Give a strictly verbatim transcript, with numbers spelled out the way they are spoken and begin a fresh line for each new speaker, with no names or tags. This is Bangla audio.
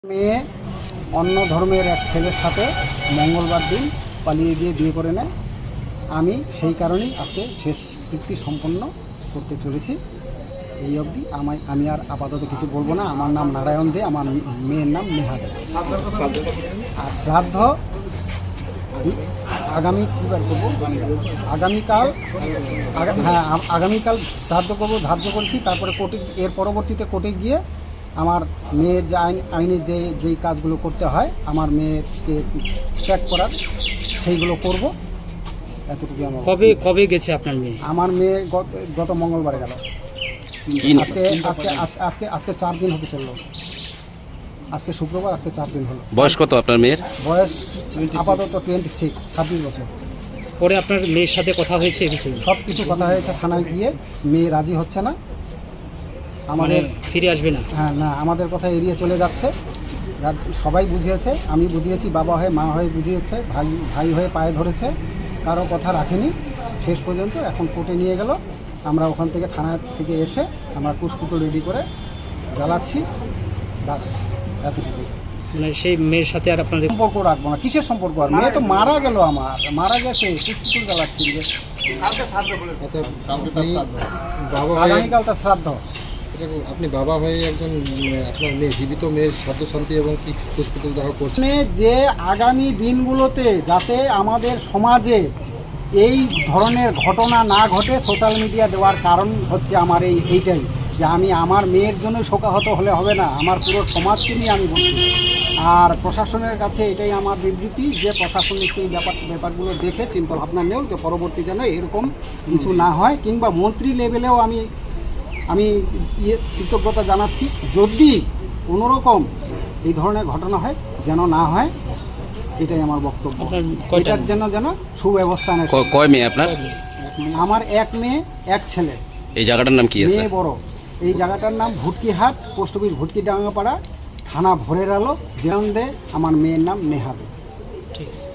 মেয়ে অন্য ধর্মের এক ছেলের সাথে মঙ্গলবার দিন পালিয়ে গিয়ে বিয়ে করে নেয়। আমি সেই কারণেই আজকে শেষ কৃত্তি সম্পন্ন করতে চলেছি। এই অবধি আমায় আমি আর আপাতত কিছু বলবো না। আমার নাম নারায়ণ দে, আমার মেয়ের নাম নেহা দে। আর শ্রাদ্ধ আগামী কী বার করবো, আগামীকাল হ্যাঁ আগামীকাল শ্রাদ্ধ করবো ধার্য করেছি। তারপরে কোর্টে, এর পরবর্তীতে কোর্টে গিয়ে আমার মেয়ের যে আইন আইনে যে যেই কাজগুলো করতে হয় আমার মেয়েকে ত্যাগ করার, সেইগুলো করব। এতটুকু আমার।
কবে কবে গেছে আপনার মেয়ে?
আমার মেয়ে গত গত মঙ্গলবারে গেল। আজকে আজকে আজকে আজকে চার দিন হতে চললো। আজকে শুক্রবার, আজকে চার দিন হলো।
বয়স কত আপনার মেয়ের?
বয়স আপাতত টোয়েন্টি সিক্স ছাব্বিশ বছর।
পরে আপনার মেয়ের সাথে কথা হয়েছে কিছু?
সব কিছু কথা হয়েছে থানায় গিয়ে, মেয়ে রাজি হচ্ছে না। আমাদের
ফিরে আসবে না?
হ্যাঁ না, আমাদের কথা এড়িয়ে চলে যাচ্ছে। সবাই বুঝিয়েছে, আমি বুঝিয়েছি, বাবা হয়ে মা হয়ে বুঝিয়েছে, ভাই ভাই হয়ে পায়ে ধরেছে, কারো কথা রাখেনি। শেষ পর্যন্ত এখন কোর্টে নিয়ে গেল। আমরা ওখান থেকে থানা থেকে এসে আমরা কুশপুতো রেডি করে জ্বালাচ্ছি। বাস এতটুকু।
মানে সেই মেয়ের সাথে আর আপনাদের
সম্পর্ক রাখবো না। কিসের সম্পর্ক? আর মেয়ে তো মারা গেল, আমার মারা গেছে, কুশপুতো জ্বালাচ্ছি। আগামীকাল তার শ্রাদ্ধ।
আপনি বাবা হয়ে একজন আপনার মেয়ে, জীবিত মেয়ের শ্রাদ্ধ শান্তি এবং কি পুষ্পিতুল দাহ করছেন,
যে আগামী দিনগুলোতে যাতে আমাদের সমাজে এই ধরনের ঘটনা না ঘটে, সোশ্যাল মিডিয়া দেওয়ার কারণ হচ্ছে আমার এই এইটাই যে আমি আমার মেয়ের জন্য শোকাহত হলে হবে না, আমার পুরো সমাজকে নিয়ে আমি বলছি। আর প্রশাসনের কাছে এটাই আমার বিবৃতি যে প্রশাসনিক এই ব্যাপার ব্যাপারগুলো দেখে চিন্তা ভাবনা নেও, যে পরবর্তী যেন এরকম কিছু না হয়। কিংবা মন্ত্রী লেভেলেও আমি আমি ইয়ে কৃতজ্ঞতা জানাচ্ছি, যদি কোনোরকম এই ধরনের ঘটনা হয় যেন না হয়, এটাই আমার বক্তব্য। এটার জন্য যেন সুব্যবস্থা নেয়।
কয় মেয়ে আপনার?
আমার এক মেয়ে এক ছেলে।
এই জায়গাটার নাম কি আছে?
মেয়ে বড়। এই জায়গাটার নাম ভুটকিহাট, পোস্ট অফিস ভুটকি ডাঙ্গাপাড়া, থানা ভোরের আলো, জেলান্দে। আমার মেয়ের নাম নেহা দে।
ঠিক আছে।